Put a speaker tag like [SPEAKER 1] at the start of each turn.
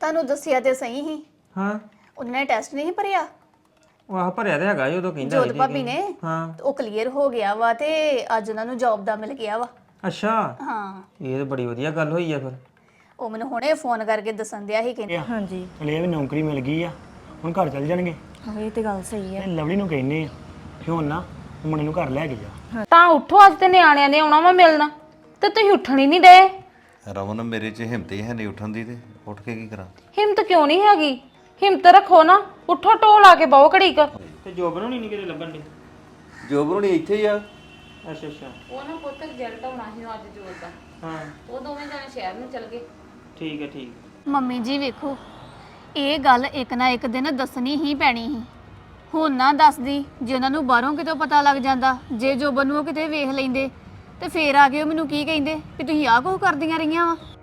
[SPEAKER 1] ਤੁਹਾਨੂੰ ਦੱਸਿਆ ਤੇ ਸਹੀ ਹੀ।
[SPEAKER 2] ਹਾਂ
[SPEAKER 1] ਉਹਨਾਂ ਨੇ ਟੈਸਟ ਨਹੀਂ ਭਰਿਆ
[SPEAKER 2] ਉਹ ਆਹ ਭਰਿਆ ਤੇ ਹੈਗਾ ਸੀ ਉਦੋਂ ਕਹਿੰਦਾ
[SPEAKER 1] ਜੋਤ ਭਾਬੀ ਨੇ।
[SPEAKER 2] ਹਾਂ
[SPEAKER 1] ਉਹ ਕਲੀਅਰ ਹੋ ਗਿਆ ਵਾ ਤੇ ਅੱਜ ਉਹਨਾਂ ਨੂੰ ਜੌਬ ਦਾ ਮਿਲ ਗਿਆ ਵਾ।
[SPEAKER 2] ਅੱਛਾ
[SPEAKER 1] ਹਾਂ
[SPEAKER 2] ਇਹ ਤਾਂ ਬੜੀ ਵਧੀਆ ਗੱਲ ਹੋਈ ਆ ਫਿਰ।
[SPEAKER 1] ਉਹ ਮੈਨੂੰ ਹੁਣੇ ਫੋਨ ਕਰਕੇ ਦੱਸਣ ਦਿਆ ਸੀ ਕਿ
[SPEAKER 3] ਹਾਂਜੀ
[SPEAKER 4] ਚਲੇ ਵੀ ਨੌਕਰੀ ਮਿਲ ਗਈ ਆ ਹੁਣ ਘਰ ਚੱਲ ਜਾਣਗੇ
[SPEAKER 3] ਹਾਂ ਇਹ ਤੇ ਗੱਲ ਸਹੀ ਹੈ।
[SPEAKER 4] ਤੇ ਲਵਲੀ ਨੂੰ ਕਹਿੰਨੇ ਆ ਕਿ ਹੁਣ ਨਾ ਮੁੰਡੇ ਨੂੰ ਘਰ ਲੈ ਕੇ ਜਾ।
[SPEAKER 3] ਤਾਂ ਉੱਠੋ, ਅੱਜ ਤੇ ਨਿਆਣਿਆਂ ਨੇ ਆਉਣਾ ਵਾ ਮਿਲਣਾ ਤੇ ਤੁਸੀਂ ਉੱਠਣ ਹੀ ਨਹੀਂ ਡਏ।
[SPEAKER 5] ਰਮਨ ਮੇਰੇ 'ਚ ਹਿੰਮਤ ਹੀ ਹੈ ਨਹੀਂ ਉੱਠਣ ਦੀ ਤੇ ਉੱਠ ਕੇ ਕੀ ਕਰਾਂ।
[SPEAKER 3] ਹਿੰਮਤ ਕਿਉਂ ਨਹੀਂ ਹੈਗੀ? ਹਿੰਮਤ ਰੱਖੋ ਨਾ, ਉੱਠੋ ਢੋਲ ਲਾ ਕੇ ਬਹੁ ਘੜੀ ਕ।
[SPEAKER 2] ਤੇ ਜੋਬ ਨੂੰ ਨਹੀਂ ਕਿਤੇ ਲੱਭਣ ਦੀ।
[SPEAKER 5] ਜੋਬ ਨੂੰ ਨਹੀਂ ਇੱਥੇ ਹੀ ਆ।
[SPEAKER 2] ਅੱਛਾ ਅੱਛਾ
[SPEAKER 3] ਉਹ ਨਾ ਪੁੱਤ ਰਿਜ਼ਲਟ ਆਉਣਾ ਸੀ ਅੱਜ ਜੋਰ ਦਾ,
[SPEAKER 2] ਹਾਂ
[SPEAKER 3] ਉਹ ਦੋਵੇਂ ਜਾਣੇ ਸ਼ਹਿਰ ਨੂੰ ਚਲ ਗਏ।
[SPEAKER 2] ਠੀਕ ਹੈ ਠੀਕ।
[SPEAKER 1] ਮੰਮੀ ਜੀ ਵੇਖੋ ਇਹ ਗੱਲ ਇੱਕ ਨਾ ਇੱਕ ਦਿਨ ਦੱਸਣੀ ਹੀ ਪੈਣੀ ਸੀ। ਹੁਣ ਨਾ ਦੱਸਦੀ ਜੇ ਉਹਨਾਂ ਨੂੰ ਬਾਹਰੋਂ ਕਿਤੋਂ ਪਤਾ ਲੱਗ ਜਾਂਦਾ, ਜੇ ਜੋਬਨ ਨੂੰ ਉਹ ਕਿਤੇ ਵੇਖ ਲੈਂਦੇ ਤੇ ਫੇਰ ਆ ਕੇ ਉਹ ਮੈਨੂੰ ਕੀ ਕਹਿੰਦੇ ਵੀ ਤੁਸੀਂ ਆਹ ਕੁਝ ਕਰਦੀਆਂ ਰਹੀਆਂ ਵਾ।